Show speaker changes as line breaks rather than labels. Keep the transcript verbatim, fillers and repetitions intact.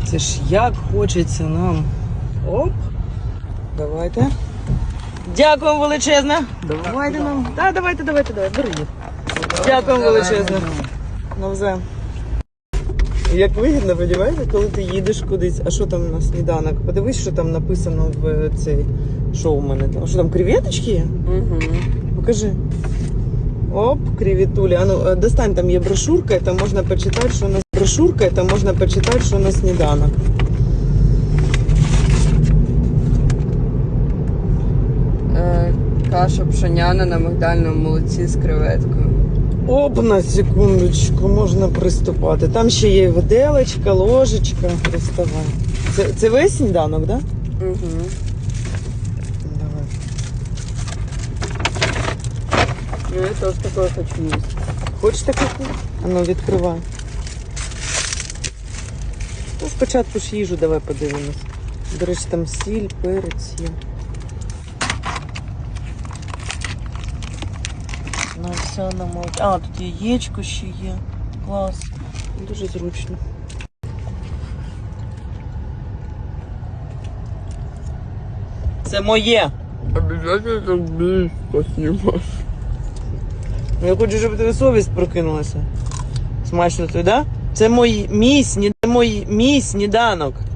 Це ж як хочеться нам. Оп. Давайте. Дякуємо величезне. Давайте нам. Так, давайте, давайте, давайте. Бери їх. Дякуємо величезне. Навзаєм. Як вигідно, розумієте, коли ти їдеш кудись, а що там на сніданок? Подивись, що там написано в цей шоу в мене. Що там, креветочки є? Угу. Покажи. Оп, креветуля. А ну, достань, там є брошурка, і там можна почитати, що на брошурка, і там можна почитати, що на сніданок.
Е, каша пшоняна на мигдальному молоці з креветкою.
Оп, на секундочку, можна приступати. Там ще є виделочка, ложечка. Приставай. Це, це весь сніданок, так? Да?
Угу.
Давай.
Ну, я теж такое хочу їсти.
Хочеш таке? А ну, відкривай. Ну, спочатку ж їжу давай подивимось. До речі, там сіль, перець є. На все на молоді. А, тут яєчко ще є. Клас. Дуже зручно. Це моє.
Обязательно так близько знімаш.
Я хочу, щоб тебе совість прокинулася. Смачно тобі, да? Це мій, мій, сні... мій, мій сніданок.